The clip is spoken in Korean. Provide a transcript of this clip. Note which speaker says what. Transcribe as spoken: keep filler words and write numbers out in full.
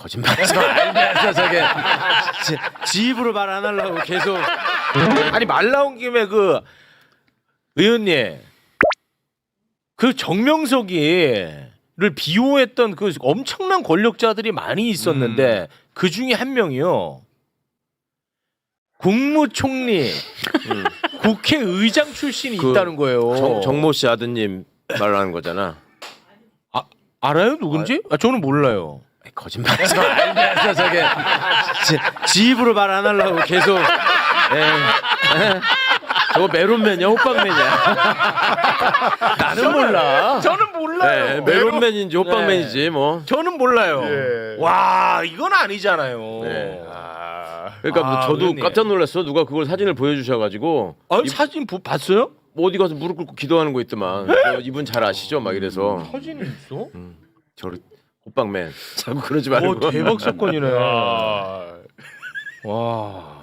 Speaker 1: 거짓말하지 마. 알면서 저게 지, 지 입으로 말 안 하려고 계속. 아니 말 나온 김에 그 의원님 그 정명석이를 비호했던 그 엄청난 권력자들이 많이 있었는데 음. 그 중에 한 명이요. 국무총리, 음. 국회의장 출신이
Speaker 2: 그
Speaker 1: 있다는 거예요.
Speaker 2: 정, 정모 씨 아드님 말하는 거잖아.
Speaker 1: 아 알아요 누군지? 아, 저는 몰라요. 거짓말하지 마. 알면서 저게 지, 지 입으로 말 안 하려고 계속. 에, 에. 저거 메론맨이야 호빵맨이야. 나는 저는, 몰라. 저는 몰라요.
Speaker 2: 네, 메론맨인지 호빵맨이지
Speaker 1: 네.
Speaker 2: 뭐.
Speaker 1: 저는 몰라요.
Speaker 2: 예.
Speaker 1: 와 이건 아니잖아요.
Speaker 2: 네.
Speaker 1: 아,
Speaker 2: 그러니까
Speaker 1: 아,
Speaker 2: 저도
Speaker 1: 의원님.
Speaker 2: 깜짝 놀랐어. 누가 그걸 사진을 보여주셔가지고.
Speaker 1: 아니
Speaker 2: 이,
Speaker 1: 사진 부, 봤어요?
Speaker 2: 뭐 어디 가서 무릎 꿇고 기도하는 거 있더만. 저 이분 잘 아시죠? 막 이래서.
Speaker 1: 사진이 있어?
Speaker 2: 음, 저를 호빵맨 자꾸 그러지 말고.
Speaker 1: 오 대박 사건이네. 와.